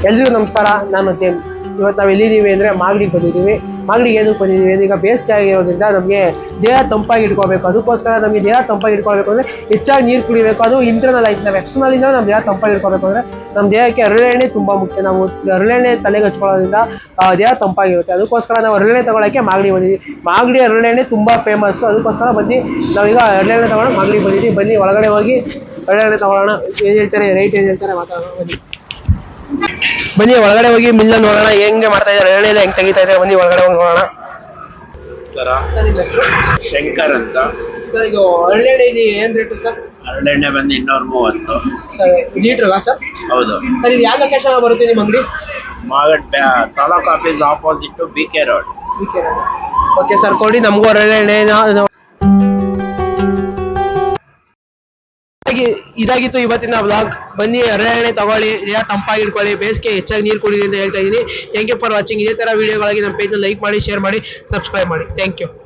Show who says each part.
Speaker 1: ಎಲ್ರಿಗೂ ನಮಸ್ಕಾರ. ನಾನು ಜೇಮ್ಸ್. ಇವತ್ತು ನಾವು ಎಲ್ಲಿದ್ದೀವಿ ಅಂದರೆ ಮಾಗಡಿಗೆ ಬಂದಿದ್ದೀವಿ. ಮಾಗಡಿಗೆ ಏನಕ್ಕೆ ಬಂದಿದ್ದೀವಿ? ಈಗ ಬೇಸಿಗೆ ಆಗಿರೋದ್ರಿಂದ ನಮಗೆ ದೇಹ ತಂಪಾಗಿ ಇಟ್ಕೋಬೇಕು. ಅದಕ್ಕೋಸ್ಕರ ನಮಗೆ ದೇಹ ತಂಪಾಗಿ ಇಟ್ಕೊಳ್ಬೇಕು ಅಂದರೆ ಹೆಚ್ಚಾಗಿ ನೀರು ಕುಡಿಬೇಕು. ಅದು ಇಂಟರ್ನಲ್ ಆಯ್ತು. ನಾವು ಎಕ್ಸ್ಟರ್ನಲಿಂದ ನಮ್ಮ ದೇಹ ತಂಪಾಗಿ ಇಟ್ಕೋಬೇಕು ಅಂದರೆ ನಮ್ಮ ದೇಹಕ್ಕೆ ಹರಳೆಣ್ಣೆ ತುಂಬ ಮುಖ್ಯ. ನಾವು ಹರಳೆಣ್ಣೆ ತಲೆಗೆ ಹಚ್ಕೊಳ್ಳೋದ್ರಿಂದ ದೇಹ ತಂಪಾಗಿರುತ್ತೆ. ಅದಕ್ಕೋಸ್ಕರ ನಾವು ಹರಳೆಣ್ಣೆ ತೊಗೊಳಕ್ಕೆ ಮಾಗಡಿ ಬಂದಿದ್ದೀವಿ. ಮಾಗಡಿ ಹರಳೆಣ್ಣೆ ತುಂಬ ಫೇಮಸ್ಸು. ಅದಕ್ಕೋಸ್ಕರ ಬಂದು ನಾವೀಗ ಹರಳೆಣ್ಣೆ ತೊಗೊಳಕ್ಕೆ ಮಾಗಡಿಗೆ ಬಂದಿದ್ದೀವಿ. ಬನ್ನಿ ಒಳಗಡೆ ಹೋಗಿ ಹರಳೆಣ್ಣೆ ತೊಗೊಳ್ಳೋಣ. ಏನು ಹೇಳ್ತಾರೆ, ರೇಟ್ ಏನು ಹೇಳ್ತಾರೆ ಮಾತಾಡೋಣ. ಬನ್ನಿ ಒಳಗಡೆ ಹೋಗಿ ಮಿಲ್ಲ ನೋಡೋಣ, ಹೆಂಗೆ ಮಾಡ್ತಾ ಇದ್ದಾರೆ, ಹರಳೆಣ್ಣೆ ಹೆಂಗೆ ತೆಗಿತಾ ಇದ್ದಾರೆ. ಬನ್ನಿ ಒಳಗಡೆ ಹೋಗಿ ನೋಡೋಣ.
Speaker 2: ಶಂಕರ್ ಅಂತ
Speaker 1: ಸರ್, ಇದು ಹರಳೆಣ್ಣೆ ಇದು ಏನು ರೇಟು ಸರ್?
Speaker 2: ಹರಳೆಣ್ಣೆ ಬಂದು 230
Speaker 1: ಸರ್. ಲೀಟ್ರಾ ಸರ್?
Speaker 2: ಹೌದು
Speaker 1: ಸರ್, ಇದು ಯಾವ ಲೊಕೇಶನ್ ಬರುತ್ತೆ ನಿಮ್ಮ ಅಂಗಡಿ?
Speaker 2: Magadi taluk office opposite BK road.
Speaker 1: Okay sir, ಕೊಡಿ ನಮಗೂ ಹರಳೆಣ್ಣೆ. ಇದಾಗಿತ್ತು ಇವತ್ತಿನ ಬ್ಲಾಗ್. ಬನ್ನಿ ಹರಳೆಣ್ಣೆ ತಗೊಳ್ಳಿ, ದೇಹ ತಂಪಾಗಿ ಇಟ್ಕೊಳ್ಳಿ, ಬೇಸಿಗೆ ಹೆಚ್ಚಾಗಿ ನೀರು ಕುಡಿರಿ ಅಂತ ಹೇಳ್ತಾ ಇದ್ದೀನಿ. Thank you for watching. ಇದೇ ಥರ ವೀಡಿಯೋಗಳಾಗಿ ನಮ್ಮ ಪೇಜ್ನ ಲೈಕ್ ಮಾಡಿ, ಶೇರ್ ಮಾಡಿ, ಸಬ್ಸ್ಕ್ರೈಬ್ ಮಾಡಿ. Thank you.